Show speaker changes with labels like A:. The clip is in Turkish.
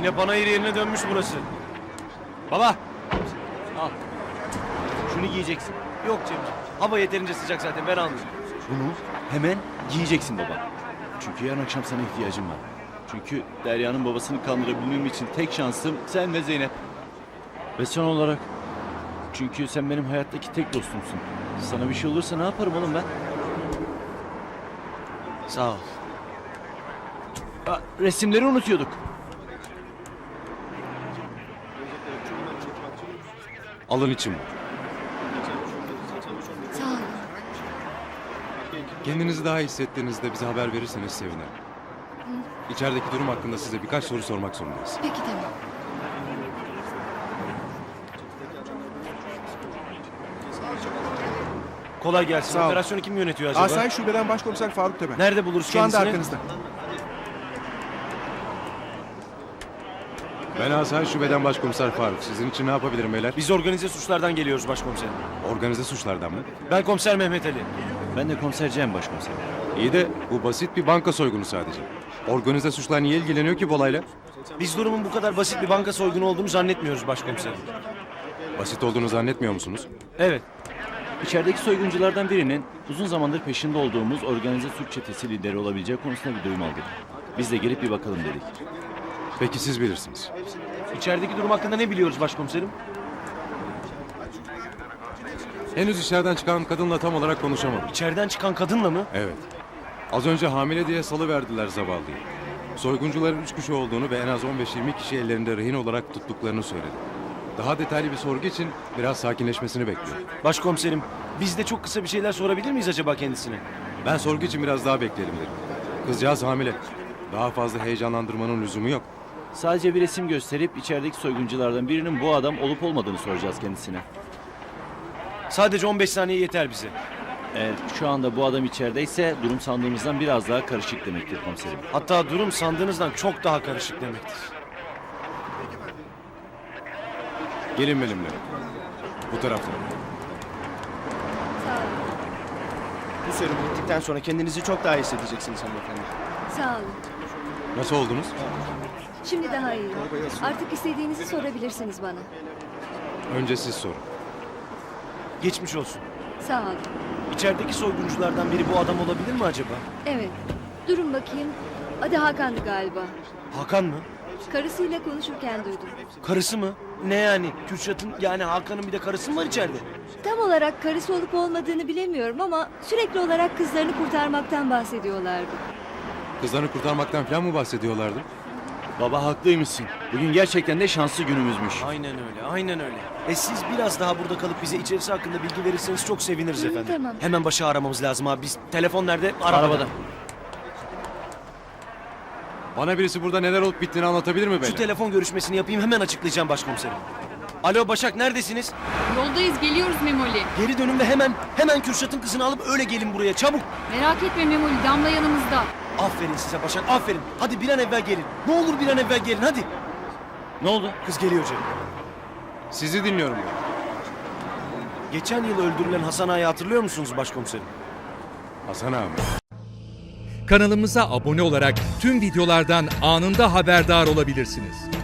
A: Yine panayır yerine dönmüş burası. Baba. Al. Şunu giyeceksin. Yok Cemciğim. Hava yeterince sıcak zaten, ben almayayım.
B: Bunu hemen giyeceksin baba. Çünkü yarın akşam sana ihtiyacım var. Çünkü Derya'nın babasını kandırabilmem için tek şansım sen ve Zeynep. Ve son olarak çünkü sen benim hayattaki tek dostumsun. Sana bir şey olursa ne yaparım oğlum ben?
A: Sağ ol.
B: Resimleri unutuyorduk.
C: Alın için.
D: Sağ olun.
C: Kendinizi daha iyi hissettiğinizde bize haber verirseniz sevinirim. İçerideki durum hakkında size birkaç soru sormak zorundayız.
D: Peki tamam.
A: Kolay gelsin.
E: Sağ ol.
A: Operasyonu kim yönetiyor acaba?
E: Asayiş Şube'den Başkomiser Faruk Tepe.
A: Nerede buluruz
E: Şu anda
A: kendisini?
E: arkanızda.
C: Ben Asayiş Şube'den Başkomiser Faruk. Sizin için ne yapabilirim beyler?
A: Biz organize suçlardan geliyoruz başkomiserim.
C: Organize suçlardan mı?
A: Ben komiser Mehmet Ali.
B: Ben de komiser Cem başkomiserim.
C: İyi de bu basit bir banka soygunu sadece. Organize suçlar niye ilgileniyor ki bu olayla?
A: Biz durumun bu kadar basit bir banka soygunu olduğunu zannetmiyoruz başkomiserim.
C: Basit olduğunu zannetmiyor musunuz?
A: Evet.
B: İçerideki soygunculardan birinin uzun zamandır peşinde olduğumuz organize suç çetesi lideri olabileceği konusunda bir duyum aldık. Biz de gelip bir bakalım dedik.
C: Peki siz bilirsiniz.
A: İçerideki durum hakkında ne biliyoruz başkomiserim?
C: Henüz içeriden çıkan kadınla tam olarak konuşamadım.
A: İçeriden çıkan kadınla mı?
C: Evet. Az önce hamile diye salıverdiler zavallıyı. Soyguncuların 3 kişi olduğunu ve en az 15-20 kişi ellerinde rehin olarak tuttuklarını söyledi. Daha detaylı bir sorgu için biraz sakinleşmesini bekliyorum.
A: Başkomiserim, biz de çok kısa bir şeyler sorabilir miyiz acaba kendisine?
C: Ben sorgu için biraz daha bekleyelim dedim. Kızcağız hamile. Daha fazla heyecanlandırmanın lüzumu yok.
B: Sadece bir resim gösterip içerideki soygunculardan birinin bu adam olup olmadığını soracağız kendisine.
A: Sadece 15 saniye yeter bize.
B: Eğer şu anda bu adam içerideyse durum sandığımızdan biraz daha karışık demektir komiserim.
A: Hatta durum sandığınızdan çok daha karışık demektir.
C: Gelin benimle. Bu taraftan.
D: Sağ olun.
E: Bu serum bittikten sonra kendinizi çok daha iyi hissedeceksiniz hanımefendi.
D: Sağ olun.
C: Nasıl oldunuz?
D: Şimdi daha iyiyim. Artık istediğinizi sorabilirsiniz bana.
C: Önce siz sorun.
A: Geçmiş olsun.
D: Sağ olun.
A: İçerideki soygunculardan biri bu adam olabilir mi acaba?
D: Evet. Durun bakayım. Adı Hakan'dı galiba.
A: Hakan mı?
D: Karısıyla konuşurken duydum.
A: Karısı mı? Ne yani? Kürşat'ın yani Hakan'ın bir de karısı mı var içeride?
D: Tam olarak karısı olup olmadığını bilemiyorum ama sürekli olarak kızlarını kurtarmaktan bahsediyorlardı.
C: Kızlarını kurtarmaktan falan mı bahsediyorlardı?
B: Baba haklıymışsın. Bugün gerçekten de şanslı günümüzmüş.
A: Aynen öyle, aynen öyle. Siz biraz daha burada kalıp bize içerisi hakkında bilgi verirseniz çok seviniriz efendim.
D: Tamam.
A: Hemen başı aramamız lazım abi. Biz telefon nerede?
B: Arabada.
C: Bana birisi burada neler olup bittiğini anlatabilir mi
A: Şu
C: beyler?
A: telefon görüşmesini yapayım, hemen açıklayacağım başkomiserim. Alo Başak, neredesiniz?
F: Yoldayız, geliyoruz Memoli.
A: Geri dönün ve hemen Kürşat'ın kızını alıp öyle gelin buraya, çabuk.
F: Merak etme Memoli, Damla yanımızda.
A: Aferin size Başak, aferin. Hadi bir an evvel gelin. Ne olur bir an evvel gelin, hadi.
B: Ne oldu?
A: Kız geliyor canım.
C: Sizi dinliyorum.
A: Geçen yıl öldürülen Hasan Ağa'yı hatırlıyor musunuz başkomiserim?
C: Hasan abi.
G: Kanalımıza abone olarak tüm videolardan anında haberdar olabilirsiniz.